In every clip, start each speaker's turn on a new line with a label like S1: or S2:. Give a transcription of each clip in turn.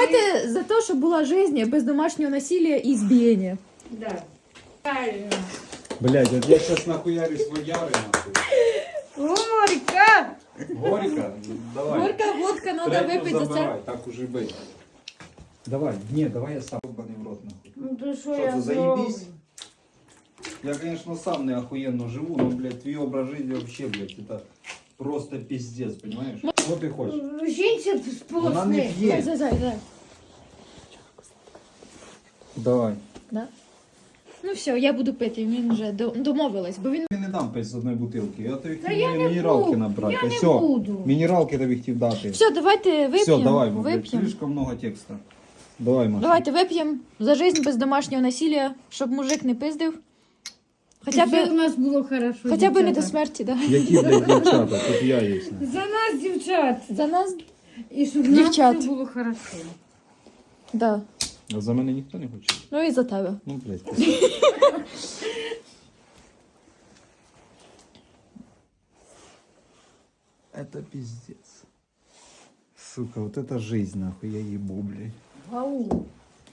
S1: Давайте за те, щоб була життя без домашнього насилия і збієння.
S2: Да. Правильно.
S3: Блядь, вот я сейчас нахуярюсь водяры, нахуй.
S2: Горько!
S3: Горько? Давай.
S1: Горька водка, треба
S3: Третью
S1: випити за це.
S3: забирай, так уже быть. Давай, не, давай я сам ебаный в рот, нахуй.
S2: Ну то що
S3: Що
S2: я
S3: це,
S2: зроблю?
S3: заебись? Я, конечно, сам не охуенно живу, но, блядь, твой образ жизни вообще, блядь, это просто пиздец, понимаешь? Что ты хочешь?
S2: Жінці
S3: Вона не
S2: сполосни.
S3: п'є.
S1: Зай.
S3: Давай.
S1: Да? Ну все, я буду пити, він вже домовилась, бо він...
S3: Я не дам пить з одної бутилки, я тобі
S2: Та
S3: хотів
S2: я не
S3: мінералки
S2: буду,
S3: набрати.
S2: я не
S3: Все,
S2: буду.
S3: мінералки тобі хотів дати.
S1: Все, давайте вип'ємо.
S3: Все, давай, бо, блядь,
S1: вип'ємо.
S3: слишком много текста. Давай, Маша.
S1: Давайте вип'ємо за життя без домашнього насилия, щоб мужик не пиздив. Хоча
S2: Щоб у
S1: б,
S2: нас було хорошо.
S1: хоча б не до
S2: дівчата.
S1: смерті, да.
S3: Які, блядь, дівчата, тут я є.
S2: За нас, дівчат.
S1: За нас,
S2: І щоб
S1: Дівчат.
S2: нам все було хорошо.
S1: да.
S3: А за мене ніхто не хоче?
S1: Ну і за тебе.
S3: Ну, блядь. Это пиздец. Сука, вот это жизнь, нахуй, я ебу, блядь.
S2: Гау.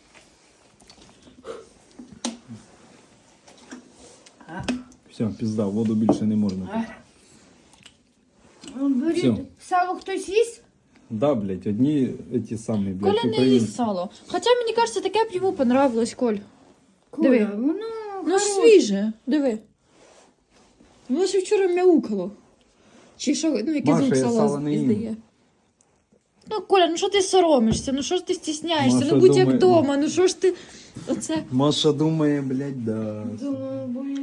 S3: Все, пизда, воду більше не можна пити.
S2: Беріть.
S3: Всё.
S2: Сало хтось їсть?
S3: Да, блядь, одні эти самі, блядь,
S1: Коля не
S3: українці.
S1: їсть сало. Хоча мені кажеться, таке б йому понравилось, Коль. Диви.
S2: Коля, воно
S1: Ну
S2: хороше.
S1: свіже, диви. Воно ще вчора мяукало. Чи що, ну який
S3: Маша,
S1: звук
S3: я
S1: сала
S3: сала не їм.
S1: іздає. Ну, Коля, ну що ти соромишся? Ну що ж ти стісняєшся?
S3: Маша
S1: Ну будь як
S3: думає-
S1: вдома, ну що ж ти... Оце...
S3: Маша думає, блядь, да.
S2: Думаю,